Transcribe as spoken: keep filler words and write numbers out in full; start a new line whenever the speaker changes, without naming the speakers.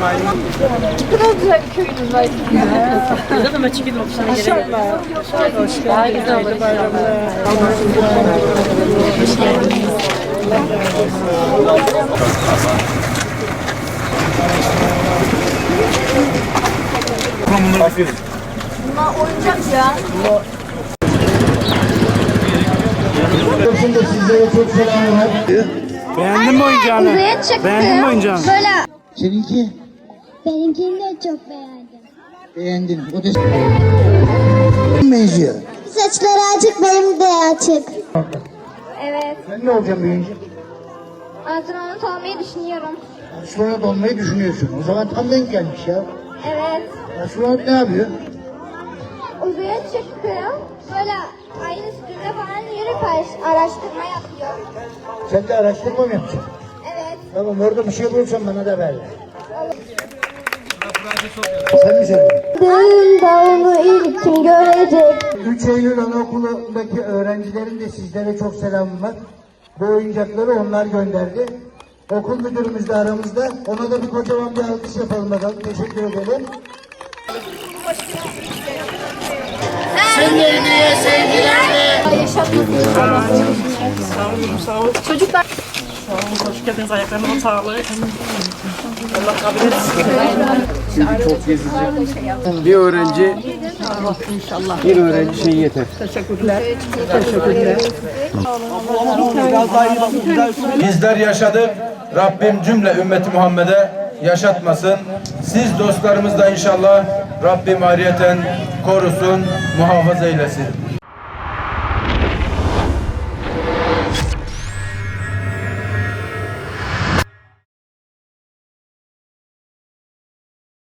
Ne kadar güzel bir köyünüz var.
Burada da maçı gibi olmuş.
Maşallah.
Daha güzel olur.
Hoş geldiniz. Bunlar oyuncak ya.
Şimdi sizlere çok selamlar.
Beğendin mi oyuncağını?
Uzaya çıktı.
Beğendin mi oyuncağını?
Böyle.
Seninki
Benimkini de çok beğendim.
beğendin. O da benziyor.
Saçları açık, benim de açık. Evet.
Sen ne olacaksın büyüyünce?
Astronot olmayı düşünüyorum.
Astronot olmayı düşünüyorsun. O zaman tam denk gelmiş ya.
Evet.
Astronot ne yapıyor?
Uzaya çıkıyor. Böyle ayın üstünde falan yürüp araştırma yapıyor.
Sen de araştırma mı yapacaksın?
Evet.
Tamam, orada bir şey bulursan bana da ver. Sen mi söylüyorsun?
Dağın dağını ilkin görecek.
üç Eylül Anaokulu'ndaki öğrencilerin de sizlere çok selamı var. Bu oyuncakları onlar gönderdi. Okul müdürümüz de aramızda. Ona da bir kocaman bir alkış yapalım bakalım. Teşekkür ederim. Sevgilerine, sevgilerle.
Yaşatmasın.
Sağ olun, sağ olun.
Çocuklar.
Sağ olun, hoş geldiniz. Ayaklarına sağlık. Allah kabul etsin.
Bir öğrenci, bir öğrenci şey yeter.
Bizler yaşadık. Rabbim cümle ümmeti Muhammed'e yaşatmasın. Siz dostlarımız da inşallah Rabbim ayrıyeten korusun, muhafaza eylesin.